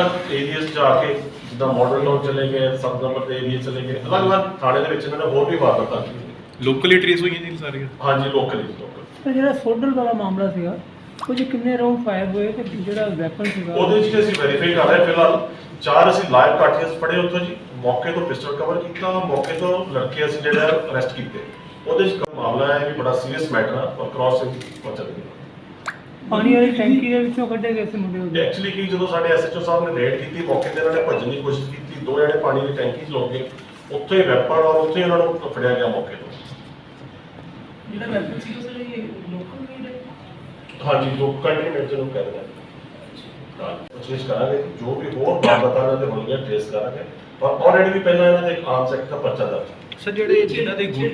अलग एरिया जाके जिदा मॉडल टाउन चले गए, 7 नंबर के एरिया चले गए, अलग अलग थाने के इन्होंने होर भी वारदात की। लोकली ट्रेस हुई जी सारी? हाँ जी, लोकल लोकल। तो जो सोडल वाला मामला ਸੀਗਾ ਉਹ 'ਚ ਕਿੰਨੇ ਰਾਉਂਡ ਫਾਇਰ ਹੋਏ ਤੇ ਜਿਹੜਾ ਵੈਪਨ ਸੀਗਾ ਉਹਦੇ 'ਚ ਅਸੀਂ ਵੈਰੀਫਾਈ ਕਰ ਰਹੇ ਹਾਂ। ਫਿਲਹਾਲ 4 ਅਸੀਂ ਲਾਈਵ ਕਾਰਟ੍ਰਿਜ ਫੜੇ ਉੱਥੋਂ ਜੀ, ਮੌਕੇ ਤੋਂ ਪਿਸਟਲ ਕਵਰ ਕੀਤਾ, ਮੌਕੇ ਤੋਂ ਲੜਕੇ ਅਸੀਂ ਜਿਹੜਾ ਅਰੈਸਟ ਕੀਤੇ। ਉਹਦੇ 'ਚ ਮਾਮਲਾ ਹੈ ਵੀ ਬੜਾ ਸੀਰੀਅਸ ਮੈਟਰ ਆ ਔਰ ਕ੍ਰਾਸ ਹੋ ਚੱਲਦੀ ਪਾਣੀ ਵਾਲੀ ਟੈਂਕੀ ਦੇ ਵਿੱਚੋਂ ਕੱਢੇ ਗਏ ਸੀ ਮੁੰਡੇ ਉਹਦੇ। ਐਕਚੁਅਲੀ ਕੀ ਜਦੋਂ ਸਾਡੇ ਐਸਐਚਓ ਸਾਹਿਬ ਨੇ ਰੇਡ ਕੀਤੀ ਮੌਕੇ ਤੇ, ਇਹਨਾਂ ਨੇ ਭੱਜਣ ਦੀ ਕੋਸ਼ਿਸ਼ ਕੀਤੀ, 2 ਜਣੇ ਪਾਣੀ ਦੀ ਟੈਂਕੀ 'ਚ ਲੁੱਕ ਗਏ, ਉੱਥੇ ਹੀ ਵੈਪਨ ਔਰ ਉੱਥੇ ਹੀ ਉਹਨਾਂ ਨੂੰ ਫੜਿਆ ਗਿਆ ਮੌਕੇ ਤੋਂ। ਜਿਹੜਾ ਵੈਪਨ ਸੀ ਉਹ ਇਹ ਲੋਕਲ ਮੇਡ ਹੈ? ਹਾਂਜੀ, ਲੋਕਾਂ ਨੇ ਮੇਰੇ ਨੂੰ ਕਹਿ ਰਿਹਾ ਕੋਸ਼ਿਸ਼ ਕਰਾਂਗੇ, ਜੋ ਵੀ ਹੋਰ ਵਾਰਦਾਤਾਂ ਇਹਨਾਂ ਦੇ ਹੋਣਗੀਆਂ ਟ੍ਰੇਸ ਕਰਾਂਗੇ। ਔਰ ਆਲਰੇਡੀ ਵੀ ਪਹਿਲਾਂ ਇਹਨਾਂ ਦੇ ਇੱਕ ਆਰਮਸ ਐਕਟ ਦਾ ਪਰਚਾ ਦਰਜ। ਸਰ ਜਿਹੜੇ ਜਿਨ੍ਹਾਂ ਦੇ ਗੁੱਟ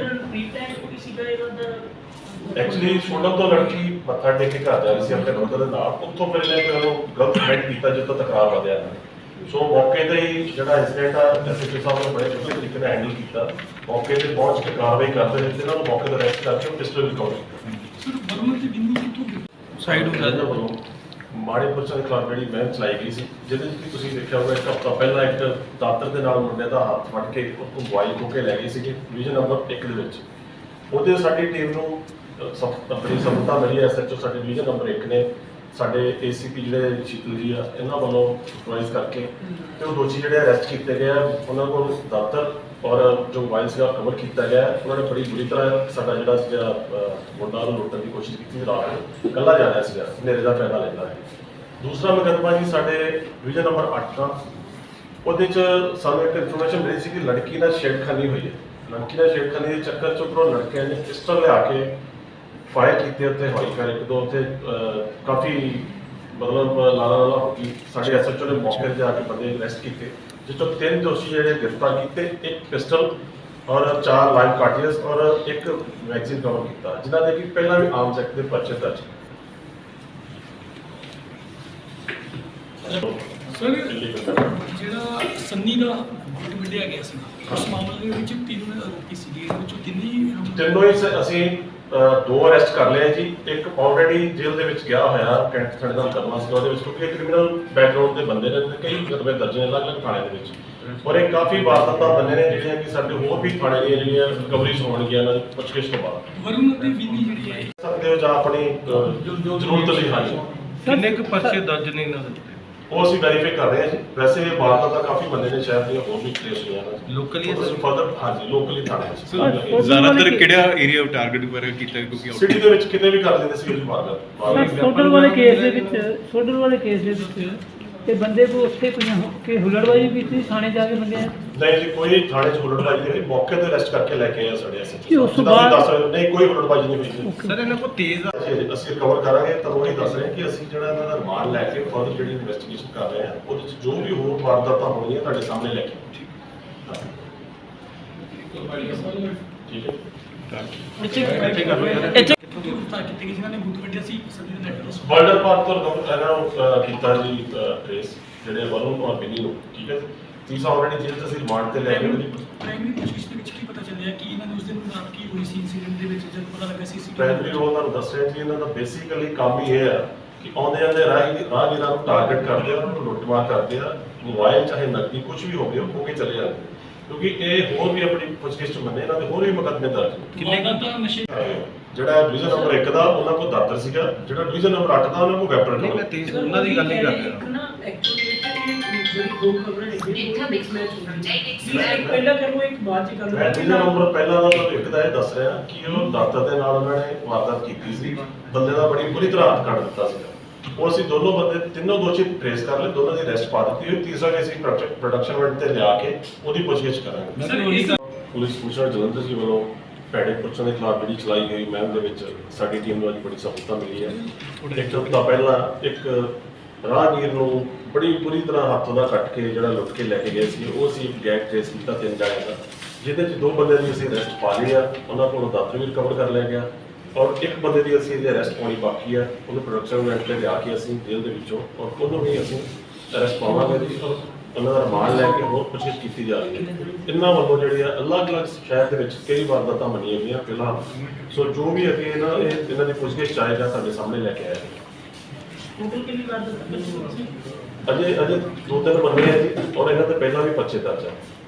ਐਕਚੁਅਲੀ ਸੋਡਲ ਤੋਂ ਲੜਕੀ ਮੱਥਾ ਟੇਕ ਕੇ ਘਰ ਜਾ ਰਹੀ ਸੀ ਆਪਣੇ ਬ੍ਰਦਰ ਦੇ ਨਾਲ, ਉੱਥੋਂ ਫਿਰ ਇਹਨੇ ਉਹਨੂੰ ਗਲਤ ਕਮੈਂਟ ਕੀਤਾ ਜਿੱਥੋਂ ਤਕਰਾਰ ਵਧਿਆ ਇਹਨਾਂ ਨੇ। ਸੋ ਮੌਕੇ ਤੇ ਹੀ ਜਿਹੜਾ ਇੰਸੀਡੈਂਟ ਆ ਐਸਐਚਓ ਸਾਹਿਬ ਨੇ ਬੜੇ ਚੰਗੇ ਤਰੀਕੇ ਨਾਲ ਹੈਂਡਲ ਕੀਤਾ, ਮੌਕੇ ਤੇ ਪਹੁੰਚ ਕੇ ਕਾਰਵਾਈ ਕਰਦੇ ਰਹੇ, ਇਹਨਾਂ ਨੂੰ ਮੌਕੇ ਤੇ ਅਰੈਸਟ ਕਰਕੇ ਪਿਸਟਲ ਰਿਕਵਰ ਕੀਤਾ। ਸਰ ਵਰਮਾ ਤੇ ਬਿੰਦੂ ਕਿੱਥੋਂ ਸਾਈਡ ਹੋ ਇਹਨਾਂ ਵੱਲੋਂ ਮਾੜੇ ਪੁਰਸ਼ਾਂ ਦੇ ਖਿਲਾਫ ਜਿਹੜੀ ਮੁਹਿੰਮ ਚਲਾਈ ਗਈ ਸੀ, ਜਿਹਦੇ ਵਿੱਚ ਤੁਸੀਂ ਦੇਖਿਆ ਹੋਵੇਗਾ ਇੱਕ ਹਫ਼ਤਾ ਪਹਿਲਾਂ ਇੱਕ ਦਾਤਰ ਦੇ ਨਾਲ ਮੁੰਡੇ ਦਾ ਹੱਥ ਫੜ ਕੇ ਉਹਨੂੰ ਮੋਬਾਈਲ ਖੋਹ ਕੇ ਲੈ ਗਏ ਸੀਗੇ ਡਿਵੀਜ਼ਨ ਨੰਬਰ 1 ਦੇ ਵਿੱਚ। ਉਹਦੇ ਸਾਡੀ ਟੀਮ ਨੂੰ ਬੜੀ ਸਫਲਤਾ ਮਿਲੀ। ਐਸਐਚਓ ਸਾਡੇ ਡਿਵੀਜ਼ਨ ਨੰਬਰ 1 ਨੇ ਸਾਡੇ ਏਸੀਪੀ ਜਿਹੜੇ ਸ਼ੀਤਲ ਜੀ ਆ ਇਹਨਾਂ ਵੱਲੋਂ ਸੁਪਰਵਾਈਜ਼ ਕਰਕੇ ਤੇ ਉਹ ਦੋਸ਼ੀ ਜਿਹੜੇ ਅਰੈਸਟ ਕੀਤੇ ਗਏ ਆ, ਉਹਨਾਂ ਕੋਲ ਦਾਤਰ ਔਰ ਜੋ ਮੋਬਾਈਲ ਸੀਗਾ ਕਵਰ ਕੀਤਾ ਗਿਆ। ਉਹਨਾਂ ਨੇ ਬੜੀ ਬੁਰੀ ਤਰ੍ਹਾਂ ਸਾਡਾ ਜਿਹੜਾ ਸੀਗਾ ਮੁੰਡਾ ਨੂੰ ਲੁੱਟਣ ਦੀ ਕੋਸ਼ਿਸ਼ ਕੀਤੀ। ਰਾਤ ਨੂੰ ਇਕੱਲਾ ਜਾ ਰਿਹਾ ਸੀਗਾ, ਹਨੇਰੇ ਦਾ ਫਾਇਦਾ ਲੈਂਦਾ ਹੈ। ਦੂਸਰਾ ਮੁਕੱਦਮਾ ਜੀ ਸਾਡੇ ਡਿਵੀਜ਼ਨ ਨੰਬਰ 8 ਦਾ, ਉਹਦੇ 'ਚ ਸਾਨੂੰ ਇੱਕ ਇਨਫੋਰਮੇਸ਼ਨ ਮਿਲੀ ਸੀ ਕਿ ਲੜਕੀ ਨਾਲ ਛੇੜਖਾਨੀ ਹੋਈ ਹੈ। ਲੜਕੀ ਨਾਲ ਛੇੜਖਾਨੀ ਦੇ ਚੱਕਰ 'ਚ ਉੱਪਰੋਂ ਲੜਕਿਆਂ ਨੇ ਪਿਸਟਲ ਲਿਆ ਕੇ ਫਾਇਰ ਕੀਤੇ ਉੱਤੇ, ਹਵਾਈ ਫਾਇਰ ਇੱਕ ਦੋ ਉੱਥੇ ਕਾਫੀ ਮਤਲਬ ਲਾਲਾ ਹੋ ਗਈ। ਸਾਡੇ ਐਸਐਚਓ ਨੇ ਮੌਕੇ 'ਤੇ ਜਾ ਕੇ ਬੰਦੇ ਅਰੈਸਟ ਕੀਤੇ, ਜਿਸ ਤੋਂ 3 ਦੋਸ਼ੀ ਜਿਹੜੇ ਗ੍ਰਿਫਤਾਰ ਕੀਤੇ, 1 ਪਿਸਟਲ ਔਰ 4 ਲਾਈਵ ਕਾਰਟ੍ਰਿਜ ਔਰ 1 ਮੈਗਜ਼ੀਨ ਕਵਰ ਕੀਤਾ, ਜਿਨ੍ਹਾਂ ਦੇ ਕਿ ਪਹਿਲਾਂ ਵੀ ਆਰਮਸ ਐਕਟ ਦੇ ਪਰਚੇ ਦਰਜ। ਸਰ ਜਿਹੜਾ ਸੰਨੀ ਦਾ ਗੁੱਟ ਵਿੱਢਿਆ ਗਿਆ ਸੀ, ਉਸ ਮਾਮਲੇ ਦੇ ਵਿੱਚ 3 ਆਰੋਪੀ ਸੀਗੇ, ਇਹਦੇ ਵਿੱਚੋਂ ਤਿੰਨੋਂ ਹੀ ਅਸੀਂ 2 ਅਰੈਸਟ ਕਰ ਲਏ ਜੀ। ਇੱਕ ਆਲਰੇਡੀ ਜੇਲ੍ਹ ਦੇ ਵਿੱਚ ਗਿਆ ਹੋਇਆ ਕੈਂਟ ਥਾਣੇ ਦਾ ਮੁਕੱਦਮਾ ਸੀ ਉਹਦੇ ਵਿੱਚ, ਕਿਉਂਕਿ ਕ੍ਰਿਮੀਨਲ ਬੈਕਗ੍ਰਾਉਂਡ ਦੇ ਬੰਦੇ ਨੇ ਤੇ ਕਈ ਮੁਕੱਦਮੇ ਦਰਜ ਨੇ ਅਲੱਗ-ਅਲੱਗ ਥਾਣੇ ਦੇ ਵਿੱਚ। ਔਰ ਇਹ ਕਾਫੀ ਵਾਰਦਾਤਾਂ ਬੰਦੇ ਨੇ ਜਿਹੜੀਆਂ ਕਿ ਸਾਡੇ ਹੋਰ ਵੀ ਥਾਣੇ ਦੀਆਂ ਜਿਹੜੀਆਂ ਰਿਕਵਰੀਜ਼ ਹੋਣਗੀਆਂ ਇਹਨਾਂ ਦੀ ਪੁੱਛਗਿੱਛ ਤੋਂ ਬਾਅਦ। ਵਰੁਣ ਅਤੇ ਵਿਨੀ ਜਿਹੜੀ ਹੈ ਸਕਦੇ ਹੋ ਜਾਂ ਆਪਣੀ ਜ਼ਰੂਰਤ ਲਈ। ਹਾਂਜੀ, ਕਿੰਨੇ ਕੁ ਪਰਚੇ ਦਰਜ ਨੇ ਇਹਨਾਂ ਦੇ? ਉਹ ਅਸੀਂ ਵੈਰੀਫਾਈ ਕਰ ਰਹੇ ਹਾਂ ਜੀ। ਵੈਸੇ ਇਹ ਵਾਰਦਾਤਾਂ ਕਾਫੀ ਬੰਦੇ ਨੇ ਸ਼ਹਿਰ ਦੀਆਂ ਹੋਰ ਵੀ ਟ੍ਰੇਸ ਹੋਈਆਂ ਨੇ ਲੋਕਲੀ ਅਸੀਂ ਫਰਦਰ। ਹਾਂਜੀ, ਲੋਕਲੀ ਥਾਣੇ ਵਿੱਚ ਜ਼ਿਆਦਾਤਰ ਕਿਹੜਾ ਏਰੀਆ ਟਾਰਗੇਟ ਵਗੈਰਾ ਕੀਤਾ ਕਿਉਂਕਿ ਸਿਟੀ ਦੇ ਵਿੱਚ ਕਿਤੇ ਵੀ ਕਰ ਦਿੰਦੇ ਸੀ ਵਾਰਦਾਤ। ਸੋਡਲ ਵਾਲੇ ਕੇਸ ਦੇ ਵਿੱਚ ਤੇ ਬੰਦੇ ਕੋ ਉੱਥੇ ਕੋਈ ਹੁਲੜਬਾਜ਼ੀ ਕੀਤੀ ਥਾਣੇ ਜਾ ਕੇ ਬੰਦੇ ਨਹੀਂ ਜੀ, ਕੋਈ ਥਾਣੇ 'ਚ ਹੁਲੜਬਾਜ਼ੀ ਨਹੀਂ ਹੋਈ, ਮੌਕੇ ਤੇ ਅਰੈਸਟ ਕਰਕੇ ਲੈ ਕੇ ਆਏ ਸਾਡੇ ਕਿ ਐਸਐਚਓ ਉਸ ਤੋਂ ਬਾਅਦ ਨਹੀਂ ਕੋਈ ਹੁਲੜਬਾਜ਼ੀ ਨਹੀਂ ਹੋਈ। ਸਰ ਇਹਨਾਂ ਕੋਲ ਤੇਜ਼ ਅਸੀਂ ਕਵਰ ਕਰਾਂਗੇ ਤਾਂ ਉਹੀ ਦੱਸ ਰਹੇ ਕਿ ਅਸੀਂ ਜਿਹੜਾ ਇਹਨਾਂ ਦਾ ਰਿਮਾਂਡ ਲੈ ਕੇ ਫਰਦਰ ਜਿਹੜੀ ਇਨਵੈਸਟੀਗੇਸ਼ਨ ਕਰ ਰਹੇ ਹਾਂ, ਉਹਦੇ 'ਚ ਜੋ ਵੀ ਹੋਰ ਵਾਰਦਾਤਾਂ ਹੋਣਗੀਆਂ ਤੁਹਾਡੇ ਸਾਹਮਣੇ ਲੈ ਕੇ ਠੀਕ ਹੈ। ਬਾਰਡਰ ਪਾਰ ਤੋਂ ਇਹਨਾਂ ਨੂੰ ਕੀਤਾ ਜੀ ਟ੍ਰੇਸ, ਜਿਹੜੇ ਵਰੁਣ ਔਰ ਬਿਨੀ ਨੂੰ। ਠੀਕ ਹੈ, ਤੀਸਰਾ ਆਲਰੇਡੀ ਜੇਲ੍ਹ 'ਚ ਅਸੀਂ ਰਿਮਾਂਡ ਤੇ ਲੈ ਕੇ ਪ੍ਰਾਇਮਰੀ ਪੁੱਛਗਿੱਛ ਦੇ ਵਿੱਚ ਕੀ ਪਤਾ ਚੱਲਿਆ ਕਿ ਇਹਨਾਂ ਨੇ ਉਸ ਦਿਨ ਰਾਤ ਕੀ ਹੋਈ ਸੀ ਇਨਸੀਡੈਂਟ ਦੇ ਵਿੱਚ ਜਦ ਪਤਾ ਲੱਗਾ ਸੀ ਪ੍ਰਾਇਮਰੀ ਰੋਲ ਤੁਹਾਨੂੰ ਦੱਸ ਰਿਹਾ ਜੀ। ਇਹਨਾਂ ਦਾ ਬੇਸਿਕਲੀ ਕੰਮ ਹੀ ਇਹ ਆ ਕਿ ਆਉਂਦੇ ਆਉਂਦੇ ਰਾਹਗੀਰਾਂ ਨੂੰ ਟਾਰਗੇਟ ਕਰਦੇ ਆ, ਉਹਨਾਂ ਨੂੰ ਲੁੱਟਮਾਰ ਕਰਦੇ ਆ, ਮੋਬਾਈਲ ਚਾਹੇ ਨਕਦੀ ਕੁਝ ਵੀ ਹੋਵੇ ਉਹ ਖੋ ਕੇ ਚਲੇ ਜਾਂਦੇ। ਕਿਉਂਕਿ ਇਹ ਹੋਰ ਵੀ ਆਪਣੀ ਪੁੱਛਗਿੱਛ ਮੰਨੇ, ਇਹਨਾਂ ਦੇ ਹੋਰ ਵੀ ਮੁਕੱਦਮੇ ਦਰਜ ਨੇ। ਕਿੰਨੇ ਦਾ ਨਸ਼ੇ ਜਿਹੜਾ ਡਿਵੀਜ਼ਨ ਨੰਬਰ 1 ਦਾ ਉਹਨਾਂ ਕੋਲ ਦਾਤਰ ਸੀਗਾ, ਜਿਹੜਾ ਡਿਵੀਜ਼ਨ ਨੰਬਰ 8 ਦਾ ਉਹਨਾਂ ਕੋਲ ਵੈਪਨ ਨਹੀਂ, ਮੈਂ ਤੇਜ਼ ਉਹਨਾਂ ਦੀ ਗੱਲ ਨਹੀਂ ਕਰ ਰਿਹਾ। ਇੱਕ ਨਾ ਐਕਚੁਅਲੀ ਜਿਹੜੀ 2 ਖਬਰਾਂ ਨੇ ਇੱਕ ਮਿਕਸ ਮੈਚ ਹੁੰਦਾ ਹੈ, ਇੱਕ ਪਹਿਲਾਂ ਕਰੋ ਇੱਕ ਬਾਅਦ ਚ ਕਰੋ। ਡਿਵੀਜ਼ਨ ਨੰਬਰ ਪਹਿਲਾਂ ਦਾ ਤੁਹਾਨੂੰ ਇੱਕ ਦਾ ਇਹ ਦੱਸ ਰਿਹਾ ਕਿ ਉਹ ਦਾਤਰ ਦੇ ਨਾਲ ਉਹਨਾਂ ਨੇ ਵਾਰਦਾਤ ਕੀਤੀ ਸੀ, ਬੰਦੇ ਦਾ ਬੜੀ ਬੁਰੀ ਤਰ੍ਹਾਂ ਹੱਥ ਕੱਢ ਦਿੱਤਾ ਸੀਗਾ। ਉਹ ਅਸੀਂ ਦੋਨੋਂ ਬੰਦੇ ਤਿੰਨੋਂ ਦੋਸ਼ੀ ਟ੍ਰੇਸ ਕਰ ਲਏ, ਦੋਨਾਂ ਦੀ ਅਰੈਸਟ ਪਾ ਦਿੱਤੀ ਹੋਈ। ਤੀਸਰਾ ਕਿ ਅਸੀਂ ਪ੍ਰੋਡਕਸ਼ਨ ਵਾਰੰਟ ਤੇ ਲਿਆ ਕੇ ਉਹਦੀ ਪੁੱਛਗਿੱਛ ਕਰਾਂਗੇ। ਪੁਲਿਸ ਕਮਿਸ਼ਨਰ ਜਲੰਧਰ ਜੀ ਵੱਲੋਂ ਭੈੜੇ ਪੁਰਸ਼ਾਂ ਦੇ ਖਿਲਾਫ ਜਿਹੜੀ ਚਲਾਈ ਗਈ ਮੁਹਿੰਮ ਦੇ ਵਿੱਚ ਸਾਡੀ ਟੀਮ ਨੂੰ ਅੱਜ ਬੜੀ ਸਫਲਤਾ ਮਿਲੀ ਹੈ। ਇੱਕ ਹਫ਼ਤਾ ਪਹਿਲਾਂ ਇੱਕ ਰਾਹਗੀਰ ਨੂੰ ਬੜੀ ਬੁਰੀ ਤਰ੍ਹਾਂ ਹੱਥੋਂ ਦਾ ਕੱਟ ਕੇ ਜਿਹੜਾ ਲੁੱਟ ਕੇ ਲੈ ਕੇ ਗਏ ਸੀ, ਉਹ ਅਸੀਂ ਇੱਕ ਗੈਂਗ ਟ੍ਰੇਸ ਕੀਤਾ 3 ਜਣਿਆਂ ਦਾ, ਜਿਹਦੇ 'ਚ 2 ਬੰਦੇ ਦੀ ਅਸੀਂ ਅਰੈਸਟ ਪਾ ਲਈ ਆ, ਉਹਨਾਂ ਕੋਲੋਂ ਦਾਤਰ ਵੀ ਰਿਕਵਰ ਕਰ ਲਿਆ ਗਿਆ ਔਰ 1 ਬੰਦੇ ਦੀ ਅਸੀਂ ਇਹਦੇ ਅਰੈਸਟ ਪਾਉਣੀ ਬਾਕੀ ਆ। ਉਹਨੂੰ ਪ੍ਰੋਡਕਸ਼ਨ ਵਾਰੰਟ ਤੇ ਲਿਆ ਕੇ ਅਸੀਂ ਜੇਲ੍ਹ ਦੇ ਵਿੱਚੋਂ ਔਰ ਉਹਨੂੰ ਵੀ ਅਸੀਂ ਅਰੈਸਟ ਪਾਵਾਂਗੇ ਜੀ। ਔਰ ਉਹਨਾਂ ਦਾ ਰਿਮਾਂਡ ਲੈ ਕੇ ਹੋਰ ਪੁੱਛਗਿੱਛ ਕੀਤੀ ਜਾ ਰਹੀ ਹੈ। ਇਹਨਾਂ ਵੱਲੋਂ ਜਿਹੜੀ ਆ ਅਲੱਗ-ਅਲੱਗ ਸ਼ਹਿਰ ਦੇ ਵਿੱਚ ਕਈ ਵਾਰਦਾਤਾਂ ਮੰਨੀਆਂ ਗਈਆਂ ਫਿਲਹਾਲ। ਸੋ ਜੋ ਵੀ ਅੱਗੇ ਇਹਨਾਂ ਦੀ ਪੁੱਛਗਿੱਛ ਆਏਗਾ ਤੁਹਾਡੇ ਸਾਹਮਣੇ ਲੈ ਕੇ ਆਇਆ। ਟੋਟਲ ਕਿੰਨੀ ਵਾਰਦਾਤਾਂ ਅਜੇ 2-3 ਬੰਦੇ ਆ ਜੀ, ਔਰ ਇਹਨਾਂ ਤੇ ਪਹਿਲਾਂ ਵੀ ਪਰਚੇ ਦਰਜ ਆ।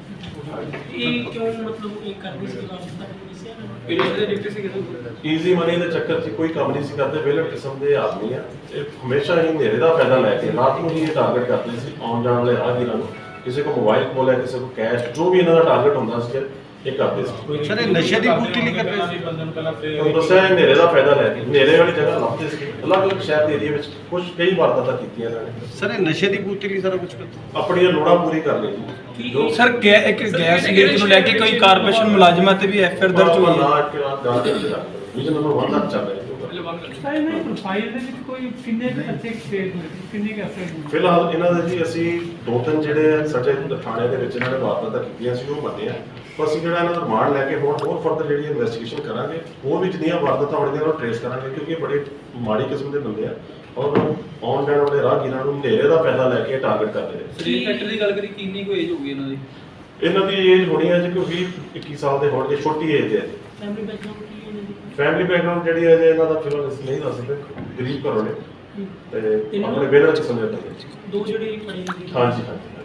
ਇਹ ਕਿਉਂ ਮਤਲਬ ਇਹ ਕਰਨੀ ਸੀ ਵਾਪਸ ਤੱਕ ਕਿਸੇ ਨੇ ਇਹ ਜਿਹੜੇ ਡਿਪਟੀ ਸੀ ਕਿਦੋਂ ਈਜ਼ੀ ਮਨੀ ਦੇ ਚੱਕਰ 'ਚ ਕੋਈ ਕੰਮ ਨਹੀਂ ਸੀ ਕਰਦੇ, ਵਿਹਲੜ ਕਿਸਮ ਦੇ ਆਦਮੀ ਆ। ਇਹ ਹਮੇਸ਼ਾ ਹੀ ਹਨੇਰੇ ਦਾ ਫਾਇਦਾ ਲੈ ਕੇ ਰਾਤ ਨੂੰ ਹੀ ਇਹ ਟਾਰਗੇਟ ਕਰਦੇ ਸੀ ਆਉਣ ਜਾਣ ਵਾਲੇ ਰਾਹਗੀਰਾਂ ਨੂੰ। ਕਿਸੇ ਕੋ ਮੋਬਾਈਲ ਕੋਲ ਹੈ, ਕਿਸੇ ਕੋ ਕੈਸ਼, ਜੋ ਵੀ ਇਹਨਾਂ ਦਾ ਟਾਰਗੇਟ ਹੁੰਦਾ ਸੀ ਇਹ ਕਰਦੇ ਸੀ। ਸਰ ਇਹ ਨਸ਼ੇ ਦੀ ਪੂਰਤੀ ਲਈ ਕਰਦੇ ਸੀ? ਤੁਹਾਨੂੰ ਦੱਸਿਆ ਇਹ ਹਨੇਰੇ ਦਾ ਫਾਇਦਾ ਲੈ ਕੇ ਹਨੇਰੇ ਵਾਲੀ ਜਗ੍ਹਾ ਲੱਭਦੇ ਸੀ। ਅਲੱਗ-ਅਲੱਗ ਸ਼ਹਿਰ ਦੇ ਏਰੀਆ ਵਿੱਚ ਕਈ ਵਾਰਦਾਤਾਂ ਕੀਤੀਆਂ ਇਹਨਾਂ ਨੇ, ਸਰ ਇਹ ਨਸ਼ੇ ਦੀ ਪੂਰਤੀ ਲਈ ਸਾਰਾ ਕੁਝ ਕਰਦੇ? ਆਪਣੀਆਂ ਲੋੜਾਂ ਪੂਰੀ ਕਰ ਲਈ ਜੀ। ਜੋ ਸਰ ਇੱਕ ਗੈਸ ਲੀਕ ਨੂੰ ਲੈ ਕੇ ਕੋਈ ਕਾਰਪੋਰੇਸ਼ਨ ਮੁਲਾਜ਼ਮਾਂ ਤੇ ਵੀ ਐਫਆਈਆਰ ਦਰਜ ਹੋਈ ਹੈ। ਨਾ ਕਿ ਰਾਤ ਗਾਂ ਦੇ ਰੱਖ ਵਿਜਨ ਨੰਬਰ 1 ਤੱਕ ਚੱਲ ਰਿਹਾ ਜੀ। ਸਰ ਇਹਨਾਂ ਪ੍ਰੋਫਾਈਲ ਦੇ ਵਿੱਚ ਕੋਈ ਕਿੰਨੇ ਬੱਚੇ ਐਕਸਪੇਅਰ ਹੋਏ, ਕਿੰਨੇ ਕੁ ਐਫਆਈਆਰ ਹੋਏ? ਫਿਲਹਾਲ ਇਹਨਾਂ ਦੇ ਜੀ ਅਸੀਂ 2-3 ਜਿਹੜੇ ਸਾਡੇ ਥਾਣੇ ਦੇ ਵਿੱਚ ਇਹਨਾਂ ਨੇ ਵਾਰਦਾਤਾਂ ਕੀਤੀਆਂ ਸੀ ਉਹ ਮੰਨੇ ਆ। ਪਰ ਅਸੀਂ ਜਿਹੜਾ ਇਹਨਾਂ ਦਾ ਰਿਮਾਂਡ ਲੈ ਕੇ ਹੋਰ ਫਰਦਰ ਜਿਹੜੀ ਇਨਵੈਸਟੀਗੇਸ਼ਨ ਕਰਾਂਗੇ, ਹੋਰ ਵੀ ਜਿੰਨੀਆਂ ਵਾਰਦਾਤਾਂ ਹੋਣਗੀਆਂ ਉਹਨਾਂ ਨੂੰ ਟ੍ਰੇਸ ਕਰਾਂਗੇ, ਕਿਉਂਕਿ ਇਹ ਬੜੇ ਮਾੜੀ ਕਿਸਮ ਦੇ ਬੰਦੇ ਆ ਔਰ ਆਉਣ ਜਾਣ ਵਾਲੇ ਰਾਹਗੀਰਾਂ ਨੂੰ ਹਨੇਰੇ ਦਾ ਫਾਇਦਾ ਲੈ ਕੇ ਟਾਰਗੇਟ ਕਰਦੇ ਨੇ। ਸਰੀਰ ਫੈਕਟਰ ਦੀ ਗੱਲ ਕਰੀ ਕਿੰਨੀ ਕੁ ਏਜ ਹੋਊਗੀ ਇਹਨਾਂ ਦੀ? ਇਹਨਾਂ ਦੀ ਏਜ ਹੋਣੀ ਹੈ ਜੀ ਕੋਈ 20-21 ਸਾਲ ਦੇ ਹੋਣਗੇ, ਛੋਟੀ ਏਜ ਹੈ ਜੀ। ਫੈਮਿਲੀ ਬੈਕਗ੍ਰਾਉਂਡ ਕੀ ਹੈ ਇਹਨਾਂ ਦੀ? ਫੈਮਿਲੀ ਬੈਕਗ੍ਰਾਉਂਡ ਜਿਹੜੀ ਹੈ ਜੀ ਇਹਨਾਂ ਦਾ ਫਿਲਹਾਲ ਅਸੀਂ ਨਹੀਂ ਦੱਸ ਸਕਦੇ, ਗਰੀਬ ਘਰੋਂ ਨੇ ਤੇ ਆਪਣੇ ਬੇਲਰ ਕਿਸਮ ਦੇ ਬੰਦੇ। ਦੋ ਜਿਹੜੇ ਪੜੇ ਨੇ ਹਾਂਜੀ ਹਾਂਜੀ।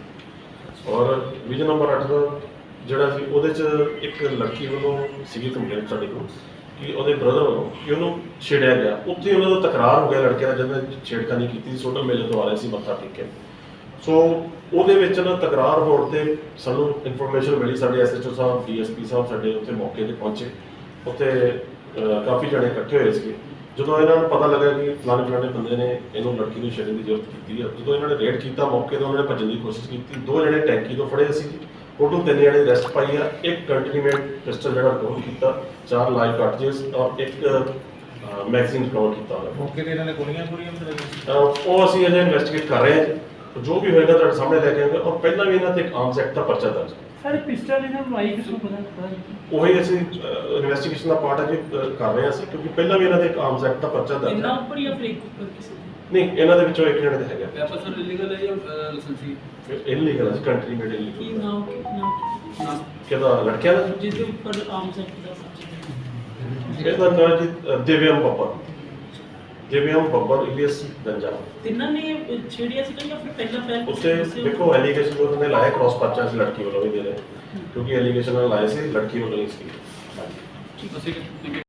ਔਰ ਵਿਜਨ ਨੰਬਰ 8 ਦਾ ਜਿਹੜਾ ਸੀ ਉਹਦੇ 'ਚ ਇੱਕ ਲੜਕੀ ਵੱਲੋਂ ਸੀਗੀ ਕੰਪਲੇਂਟ ਸਾਡੇ ਕੋਲ ਕਿ ਉਹਦੇ ਬ੍ਰਦਰ ਵੱਲੋਂ ਕਿ ਉਹਨੂੰ ਛੇੜਿਆ ਗਿਆ। ਉੱਥੇ ਉਹਨਾਂ ਦਾ ਤਕਰਾਰ ਹੋ ਗਿਆ ਲੜਕੇ ਦਾ, ਜਦੋਂ ਛੇੜਖਾਨੀ ਕੀਤੀ ਸੋਟਲ ਮੇਲੇ ਤੋਂ ਆ ਰਹੇ ਸੀ ਮੱਥਾ ਟੇਕ ਕੇ। ਸੋ ਉਹਦੇ ਵਿੱਚ ਨਾ ਤਕਰਾਰ ਹੋਣ ਤੇ ਸਾਨੂੰ ਇਨਫੋਰਮੇਸ਼ਨ ਮਿਲੀ, ਸਾਡੇ ਐਸਐਚਓ ਸਾਹਿਬ ਡੀਐਸਪੀ ਸਾਹਿਬ ਸਾਡੇ ਉੱਥੇ ਮੌਕੇ ਤੇ ਪਹੁੰਚੇ। ਉੱਥੇ ਕਾਫੀ ਜਣੇ ਇਕੱਠੇ ਹੋਏ ਸੀਗੇ। ਜਦੋਂ ਇਹਨਾਂ ਨੂੰ ਪਤਾ ਲੱਗਾ ਕਿ ਫਲਾਣੇ ਬੰਦੇ ਨੇ ਇਹਨੂੰ ਲੜਕੀ ਨੂੰ ਛੇੜਨ ਦੀ ਜ਼ਰੂਰਤ ਕੀਤੀ ਹੈ, ਜਦੋਂ ਇਹਨਾਂ ਨੇ ਰੇਡ ਕੀਤਾ ਮੌਕੇ ਤੇ ਉਹਨਾਂ ਨੇ ਭੱਜਣ ਦੀ ਕੋਸ਼ਿਸ਼ ਕੀਤੀ। 2 ਜਣੇ ਟੈਂਕੀ ਤੋਂ ਫੜੇ ਸੀ, ਟੋਟਲ 3 ਜਣੇ ਅਰੈਸਟ ਪਾਈ ਆ। ਇੱਕ ਕੰਟੀਨਮੈਂਟ ਪਿਸਟਲ ਜਿਹੜਾ ਰਿਕਵਰ ਕੀਤਾ, 4 ਲਾਈਵ ਕਾਰਟ੍ਰਿਜਸ ਔਰ ਇੱਕ ਮੈਗਜ਼ੀਨ ਰਿਕਵਰ ਕੀਤਾ ਉਹਨਾਂ ਨੇ। ਮੌਕੇ ਤੇ ਇਹਨਾਂ ਨੇ ਗੋਲੀਆਂ ਉਹ ਅਸੀਂ ਅਜੇ ਇਨਵੈਸਟੀਗੇਟ ਕਰ ਰਹੇ ਹਾਂ ਜੀ। ਜੋ ਵੀ ਹੋਏਗਾ ਤੁਹਾਡੇ ਸਾਹਮਣੇ ਲੈ ਕੇ ਆਵਾਂਗੇ। ਔਰ ਪਹਿਲਾਂ ਵੀ ਇਹਨਾਂ ਤੇ ਇੱਕ ਆਰਮਸ ਐਕਟ ਦਾ ਪਰਚਾ ਦਰਜ ਹੈ। ਸਰ ਪਿਸਟਲ ਇਹਨਾਂ ਨੂੰ ਆਈ ਕਿਸ ਨੂੰ ਪਤਾ ਉਹੀ ਅਸੀਂ ਇਨਵੈਸਟੀਗੇਸ਼ਨ ਦਾ ਪਾਰਟ ਅਜੇ ਕਰ ਰਹੇ ਹਾਂ ਅਸੀਂ, ਕਿਉਂਕਿ ਪਹਿਲਾਂ ਵੀ ਇਹਨਾਂ ਦੇ ਇੱਕ ਆਰਮਸ ਐਕਟ ਦਾ ਪਰਚਾ ਦਰਜ ਇਹਨਾਂ ਹੈ। ਉੱਪਰ ਜਾਂ ਫਿਰ ਇੱਕ ਉੱਪਰ ਕਿਸੇ ਦੇ? ਨਹੀਂ, ਇਹਨਾਂ ਦੇ ਵਿੱਚੋਂ ਇੱਕ ਜਣੇ ਦਾ ਹੈਗਾ ਵੈਪਨ ਸਰ ਇਲੀਗਲ ਹੈ ਜਾਂ ਲਾਇਸੈਂਸੀ? ਇਲੀਗਲ ਹੈ, ਕੰਟਰੀ ਮੇਡ ਕੀ ਇਲੀਗਲ। ਨਾਮ ਕਿਹਦਾ ਲੜਕਿਆਂ ਦਾ? ਜਿਸ ਦੇ ਉੱਪਰ ਆਰਮਸ ਐਕਟ ਦਾ ਸਬਜੈਕਟ ਇਹਦਾ ਨਾਮ ਜੀ ਦਿਵਿਆਮ ਬੱਬਰ ਇਲੀਅਸ ਗੰਜਾ। ਤਿੰਨਾਂ ਨੇ ਛੇੜਿਆ ਸੀ ਜਾਂ ਫਿਰ ਪਹਿਲਾਂ ਉੱਤੇ ਦੇਖੋ ਐਲੀਗੇਸ਼ਨ ਉਹਨਾਂ ਨੇ ਲਾਇਆ, ਕ੍ਰਾਸ ਪਰਚਾ ਸੀ ਲੜਕੀ ਵੱਲੋਂ ਵੀ ਦੇ ਰਹੇ, ਕਿਉਂਕਿ ਐਲੀਗੇਸ਼ਨ ਲਾਏ ਸੀ ਲੜਕੀ ਵੱਲੋਂ ਹੀ ਸੀ। ਅਸੀਂ